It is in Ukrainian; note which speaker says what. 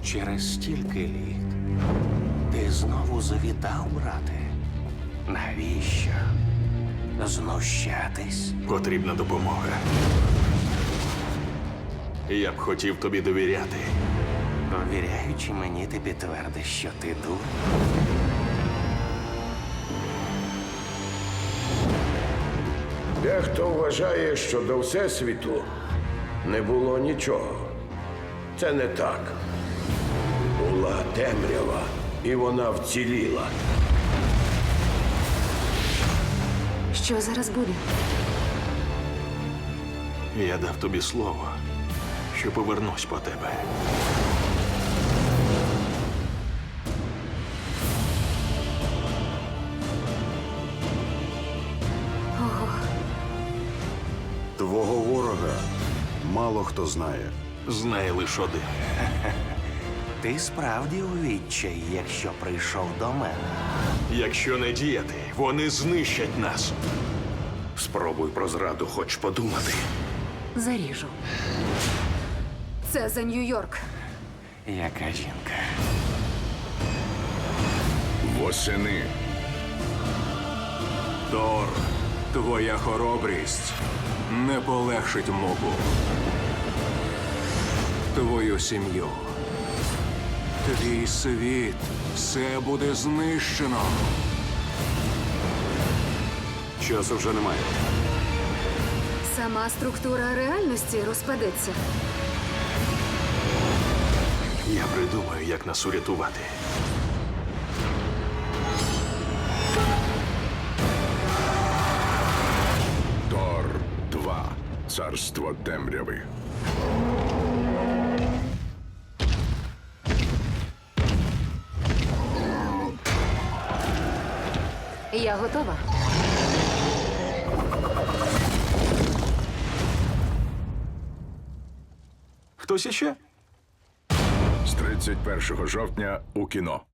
Speaker 1: Через стільки літ ти знову завітав, брате. Навіщо? Знущатись?
Speaker 2: Потрібна допомога. Я б хотів тобі довіряти.
Speaker 1: Довіряючи мені, ти підтвердиш, що ти дур.
Speaker 3: Дехто вважає, що до Всесвіту не було нічого. Це не так. Була темрява, і вона вціліла.
Speaker 4: Що зараз буде?
Speaker 2: Я дав тобі слово, що повернусь по тебе.
Speaker 5: Твого ворога мало хто знає.
Speaker 2: Знає лише один.
Speaker 1: Ти справді у відчаї, якщо прийшов до мене.
Speaker 2: Якщо не діяти, вони знищать нас.
Speaker 3: Спробуй про зраду хоч подумати.
Speaker 4: Заріжу. Це за Нью-Йорк.
Speaker 1: Яка жінка?
Speaker 3: Восени.
Speaker 6: Тор, твоя хоробрість не полегшить мобу. Твою сім'ю. Твій світ. Все буде знищено.
Speaker 5: Часу вже немає.
Speaker 4: Сама структура реальності розпадеться.
Speaker 2: Я придумаю, як нас урятувати.
Speaker 3: Тор 2. Царство темряви.
Speaker 4: Я готова.
Speaker 2: Хтось іще?
Speaker 3: З 31 жовтня у кіно.